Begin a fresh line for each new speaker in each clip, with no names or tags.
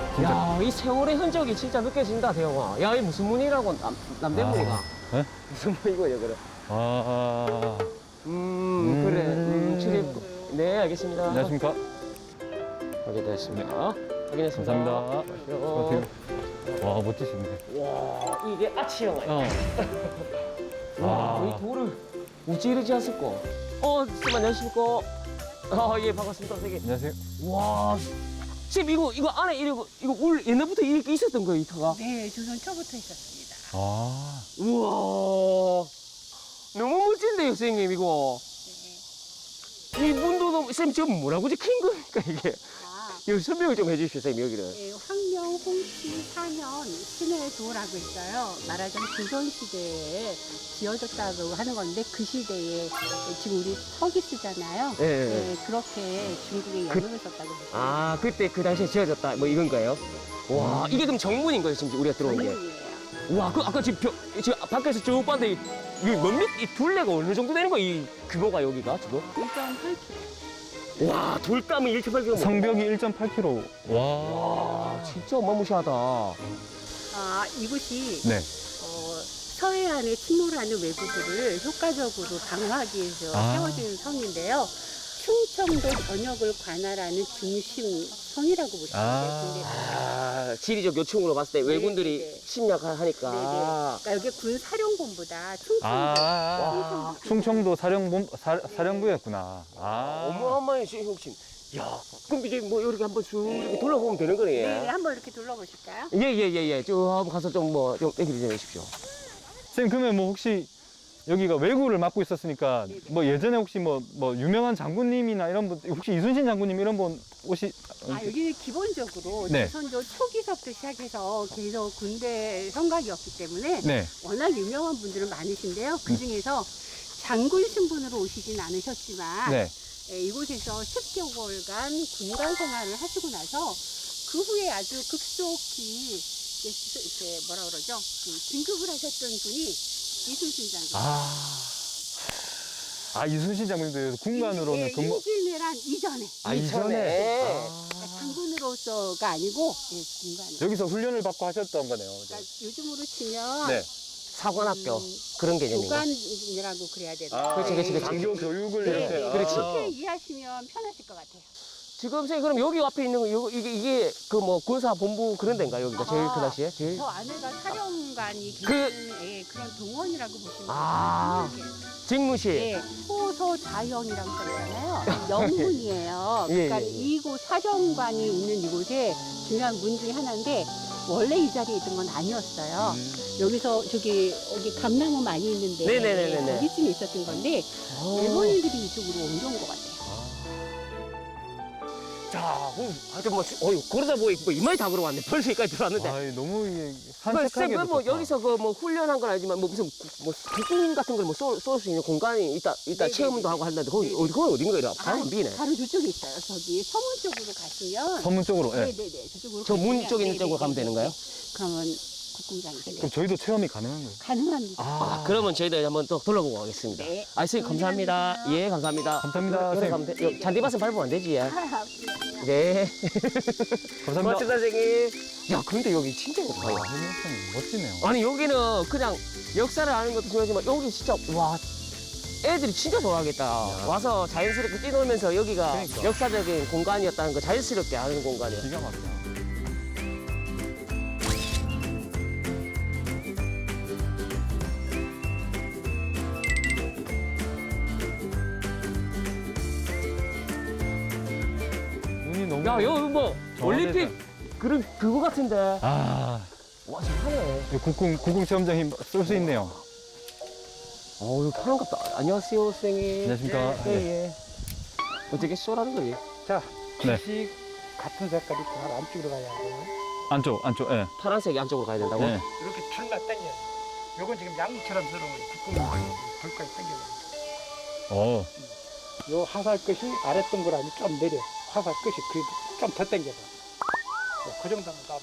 진짜.
야, 이 세월의 흔적이 진짜 느껴진다, 대영아. 야, 이 무슨 문이라고, 남대문이가.
예?
무슨 문이고요, 그래.
아,
그래. 출입. 네, 알겠습니다.
안녕하십니까.
확인됐습니다. 확인했습니다.
감사합니다.
마시오.
와, 멋지신데.
와, 이게 아치형아.
아.
이 돌을 우찌르지 않았고. 선생님 안녕하십니까? 예, 반갑습니다, 선생님.
안녕하세요.
와, 지금 이거 안에 이거 올 옛날부터 이렇게 있었던 거예요, 이 터가?
네, 조선 초부터 있었습니다.
아,
우와, 너무 멋진데요, 선생님, 이거.
네.
이 문도 너무, 선생님, 지금 뭐라고 킨 겁니까, 이게?
아,
여기 설명을 좀 해주십시오, 선생님, 여기는.
네, 황명 홍치 4년 신의 도라고 있어요. 말하자면 조선시대에 지어졌다고 하는 건데 그 시대에 지금 우리 석이 쓰잖아요.
예, 예.
네, 그렇게 중국에 영향을 썼다고 보시면
아, 그때 그 당시에 지어졌다, 뭐 이건 거예요? 와, 이게 그럼 정문인 거예요, 지금 우리가 들어온 게?
전문이에요.
와, 아까 지금 밖에서 쭉 봤는데, 이게 이 둘레가 어느 정도 되는 거야, 이 규모가 여기가, 지금?
1.8km.
와, 돌담이 1.8km.
성벽이 1.8km. 와.
와, 진짜 어마무시하다.
아, 이곳이
네.
서해안에 침몰하는 외부들을 효과적으로 방어하기 위해서
아.
세워진 성인데요. 충청도 전역을 관할하는 중심 성이라고 보시면 돼요.
아, 지리적 요충으로 봤을 때 왜군들이
네, 네.
침략하니까.
그러니까 여기 군 사령본보다 충청도
아, 충청도 사령부였구나. 아.
어마어마한 시형신. 야, 그럼 이제 뭐 이렇게 한번 쭉 이렇게 둘러보면 되는 거네.
네, 한번 이렇게 둘러보실까요?
예. 쭉 한번 가서 좀 얘기 좀 해주십시오.
선생님, 그러면 뭐 혹시 여기가 외구를 맡고 있었으니까
네네.
뭐 예전에 혹시 뭐 유명한 장군님이나 이런 분, 혹시 이순신 장군님 이런 분
아, 여기는 기본적으로
네.
조선조 초기서부터 시작해서 계속 군대 성곽이었기 때문에
네.
워낙 유명한 분들은 많으신데요. 그 중에서 장군 신분으로 오시진 않으셨지만
네.
이곳에서 10개월간 군관 생활을 하시고 나서 그 후에 아주 급속히 이렇게 뭐라 그러죠? 그 진급을 하셨던 분이 이순신 장군.
이순신 장군님도 군관으로는
예,
근무.
임진왜란 이전에.
이전에.
장군으로서가 아니고 군관으로.
여기서 훈련을 받고 하셨던 거네요.
그러니까 요즘으로 치면
네.
사관학교 그런 개념인가?
교관이라고 그래야 되나?
그렇지.
장교 교육을
네,
이렇게.
네.
그렇지.
그렇게 이해하시면 편하실 것 같아요.
지금 선생님 그럼 여기 앞에 있는 거 이게 그 뭐 군사본부 그런 데인가 여기가 제일 그 당시에 제일.
저 안에가 사령관이
그-
계시는 그런 동원이라고 보시면 돼요.
아. 직무실.
네, 호소 자영이라고 써있잖아요. 영문이에요.
예,
그러니까
예.
이곳 사령관이 있는 이곳에 중요한 문 중에 하나인데 원래 이 자리에 있던 건 아니었어요. 여기 여기 감나무 많이 있는데
네네네네네.
여기쯤에 있었던 건데 일본인들이 이쪽으로 옮겨온 것 같아요.
자, 하여튼 그러다 보니 뭐 이마에 다 걸어왔네. 벌써 여기까지 들어왔는데.
아이, 너무 이게
쌤,
산책하기도
뭐
좋다.
여기서 그 뭐 훈련한 건 아니지만 뭐 무슨 뭐 국군 같은 걸 뭐 쏠 수 있는 공간이 있다
네네네.
체험도 하고 한다는데 거기
네네.
거기 어딘가요? 바로 비네.
바로 저쪽에 있어요. 저기 서문 쪽으로 가시면
서문 쪽으로. 예.
네네네 저쪽으로
저 문
가시면
쪽에 있는
네네네.
쪽으로 가면 되는 거예요?
그러면 국궁장이 되네요.
그럼 저희도 체험이 가능한 거예요?
가능합니다.
그러면 저희들 한번 또 둘러보고 가겠습니다.
네.
선생님 감사합니다. 예, 감사합니다.
감사합니다,
여기 가면 돼. 잔디밭은 밟으면 안 되지. 예. 네.
감사합니다.
고맙습니다, 선생님. 야, 근데 여기 진짜 좋다.
아, 해녀선 멋지네요.
아니, 여기는 그냥 역사를 아는 것도 중요하지만 여기 진짜, 와, 애들이 진짜 좋아하겠다. 와서 자연스럽게 뛰놀면서 여기가
그러니까.
역사적인 공간이었다는 거 자연스럽게 아는 공간이야.
기가 막히다. 눈이 너무.
야, 여기 뭐, 올림픽 그거 같은데.
아,
와, 잘하네.
국궁 체험장이 쏠 수 있네요.
여기 하는갑다. 안녕하세요, 선생님.
안녕하십니까.
예. 어떻게 쏘라는 거지?
자,
네.
빛이 같은 색깔이 다 안쪽으로 가야 돼요.
안쪽, 예.
파란색이 안쪽으로 가야 된다고?
네.
이렇게 줄만 당겨요. 요건 지금 양처럼 들어오는 국궁 불까지 당겨요.
어,
요 화살 끝이 아래 동그라미 좀 내려. 화살 끝이 좀 더 당겨봐. 그 정도면 따봐.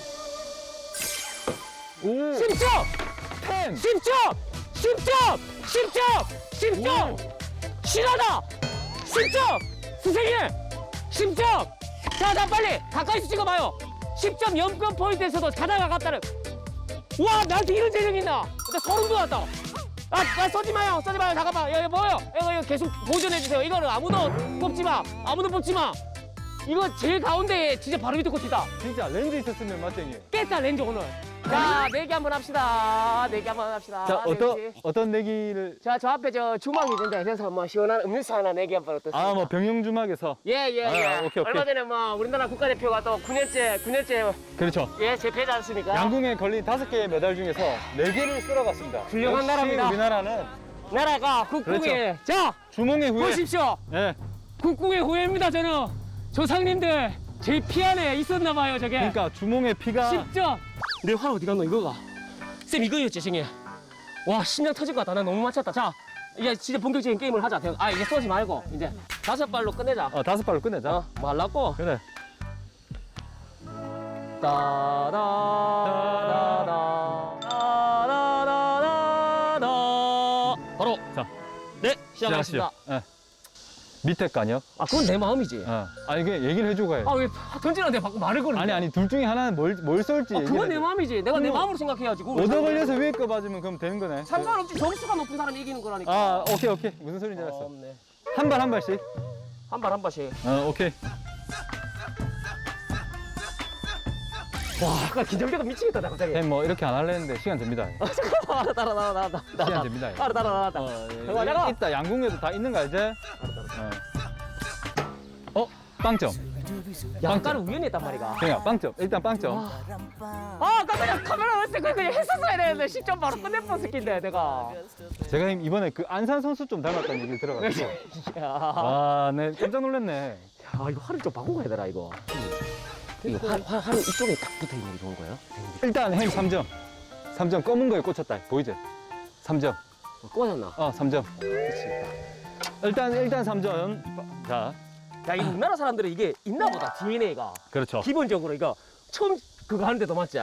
10점! 10점! 10점! 10점! 10점! 실하다! 10점! 선생님! 10점! 자, 빨리! 가까이서 찍어봐요! 10점 연금 포인트에서도 자다가 갔다는. 와, 나한테 이런 재능이 있나? 나 소름 돋았다. 아, 쏘지 마요. 잠깐만. 이거 뭐예요? 이거 계속 보존해주세요. 이거는 아무도 뽑지 마. 이거 제일 가운데에 진짜 바로 밑에 꽂히다.
진짜 렌즈 있었으면 맞죠, 형님?
깼다, 렌즈 오늘. 자, 내기 한번 합시다.
자, 어떤 내기를.
자, 저 앞에 저 주막이 있는데, 그래서 뭐 시원한 음료수 하나 내기 한번 어떻습니까?
아, 뭐 병영주막에서.
예.
오케이.
얼마 전에 뭐 우리나라 국가대표가 또 9년째
그렇죠.
예, 제패지 않습니까?
양궁에 걸린 5개의 메달 중에서 4개를 쓸어갔습니다.
훌륭한
역시
나라입니다.
우리나라는
나라가 국궁의 자,
주몽의 후예.
보십시오.
예.
국궁의 후예입니다, 저는. 조상님들 제 피 안에 있었나 봐요, 저게.
그러니까 주몽의 피가
10점. 내 활 어디 갔노, 이거가? 쌤, 이거였지, 생이. 와, 심장 터질 것 같다. 나 너무 맞췄다. 자, 이제 진짜 본격적인 게임을 하자. 아, 이제 쏘지 말고 이제 5발로 끝내자.
5발로 끝내자.
뭐 하려고?
그래.
따다다다다다다다다. 바로
자,
네, 시작하겠습니다.
예. 밑에 거 아니요?
아, 그건 내 마음이지.
아, 이게 얘기를 해주고 가야지.
아, 왜 던지는데 자꾸 말을 거는
아니, 둘 중에 하나는 뭘 쏠지.
아, 그건 내
얘기를
마음이지. 내가 내
그럼
마음으로 생각해야지. 그걸
얻어 걸려서 위에 거 맞으면 그럼 되는 거네.
상관없지. 점수가 높은 사람이 이기는 거라니까.
아, 오케이. 무슨 소리인지 알았어.
없네.
한 발씩.
한 발씩.
오케이.
와, 아까 긴장되다 미치겠다, 나 갑자기.
뭐 이렇게 안 할래 했는데 시간 됩니다.
잠깐만, 따라.
시간 됩니다.
따라.
어, 이따 양궁에도 다 있는 거 알지? 빵점.
약간은 우연히 했단 말이가.
그냥 빵점. 일단 빵점.
아, 아까 그냥 카메라 왔을 때 그냥 했었어야 되는데 10점 바로 끝낼 뻔했긴데 내가.
제가 이번에 그 안산 선수 좀 닮았다는 얘기를 들어가지고.
야,
아, 네, 깜짝 놀랐네.
이거 활을 좀 바꾸고 가야 되나 이거. 이거 활은 이쪽에 딱 붙어 있는 게 좋은 거예요?
일단 행 3점. 3점 검은 거에 꽂혔다. 보이지? 3점.
꽂았나?
3점.
그렇지.
일단 3점. 자,
야, 이 우리나라 사람들은 이게 있나 보다, DNA가.
그렇죠.
기본적으로 이거 처음 그거 하는데도 맞지?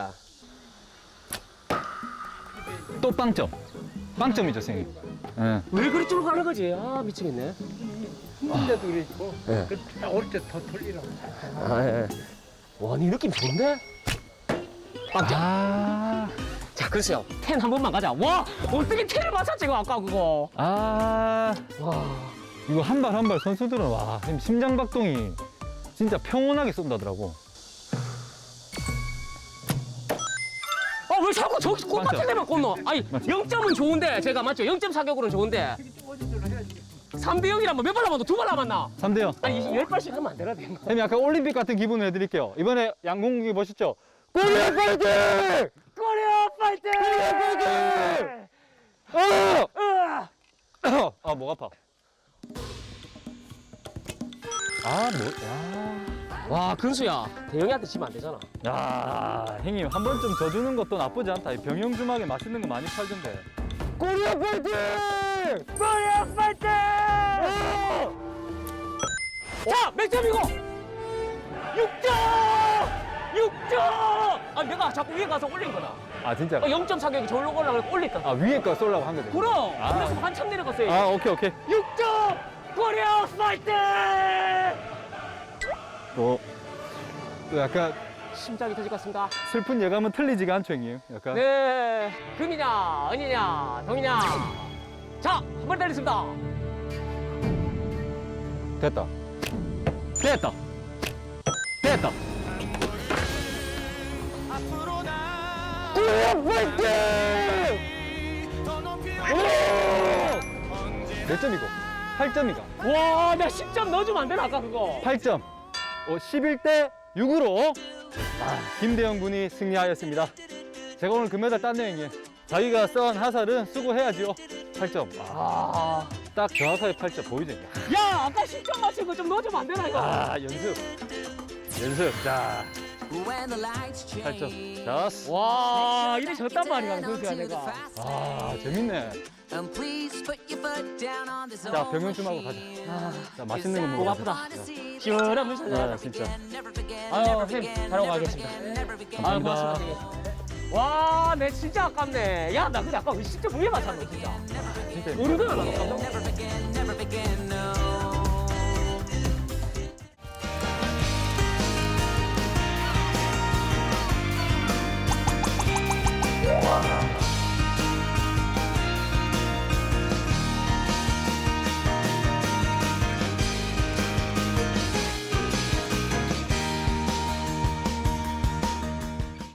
또 빵점. 빵점이죠, 선생님. 예.
왜 그리 쭉 가는 거지? 아, 미치겠네.
힘든데도 이러고
예.
올 때 더 돌리라고.
아, 예. 와, 니 느낌 좋은데? 빵점. 자, 글쎄요. 10 한 번만 가자. 와, 어떻게 10을 맞췄지, 이거 아까 그거.
와, 이거 한 발 선수들은 와, 심장 박동이 진짜 평온하게 쏜다더라고.
왜 자꾸 저기 꽃밭에 데만 꽂노? 아니,
맞지?
0점은 좋은데, 제가 맞죠? 0점 사격으로는 좋은데. 3대 0이라면 몇 발 남았노? 2발 남았나?
3대0.
아니, 10발씩 하면 안 되나?
선생님 약간 올림픽 같은 기분을 해드릴게요. 이번에 양궁기 보셨죠? 코리아 파이팅!
코리아 파이팅!
목 아파.
와, 근수야. 대영이한테 지면 안 되잖아.
야, 형님 한 번쯤 져주는 것도 나쁘지 않다. 이 병영주막에 맛있는 거 많이 팔던데. 코리아 파이팅!
코리아 파이팅! 자, 몇 점이고? 6점! 6점! 아, 내가 자꾸 위에 가서 올린 거다.
아, 진짜?
0점 사격이 저기로 올라가고 올렸다.
위에 거 쏠라고 한 거죠?
그럼!
아.
그래서 한참 내려갔어요.
오케이.
6점! 코리아 파이팅!
또 약간
심장이 터질 것 같습니다.
슬픈 예감은 틀리지가 않죠, 형님. 약간.
네, 금이냐, 은이냐, 동이냐. 자, 한 번 달렸습니다.
됐다. 몇 점이고? 8점이가.
와, 나 10점 넣어주면 안 되나, 아까 그거?
8점. 11대 6으로 김대영 군이 승리하였습니다. 제가 오늘 금메달 땄네요, 형님. 자기가 써온 하살은 수고해야지요. 8점. 딱 정확하게 8점 보이죠?
야, 아까 10점 맞힌 거 좀 넣어주면 안 되나, 이거?
연습. 자, 8점. 자,
와, 이래 졌단 말이야, 그수야 내가.
재밌네. 자, 병영춤하고 가자. 자, 맛있는 거
목
먹어.
아프다. 시원한 물 찾아.
진짜.
아유, 선생님, 잘하고 가겠습니다. 아유,
감사합니다.
고맙습니다. 와, 내 진짜 아깝네. 야, 나 근데 아까 왜 10점 위에 맞췄노, 진짜.
진짜.
모르잖아, 나 깜짝 놀랐어.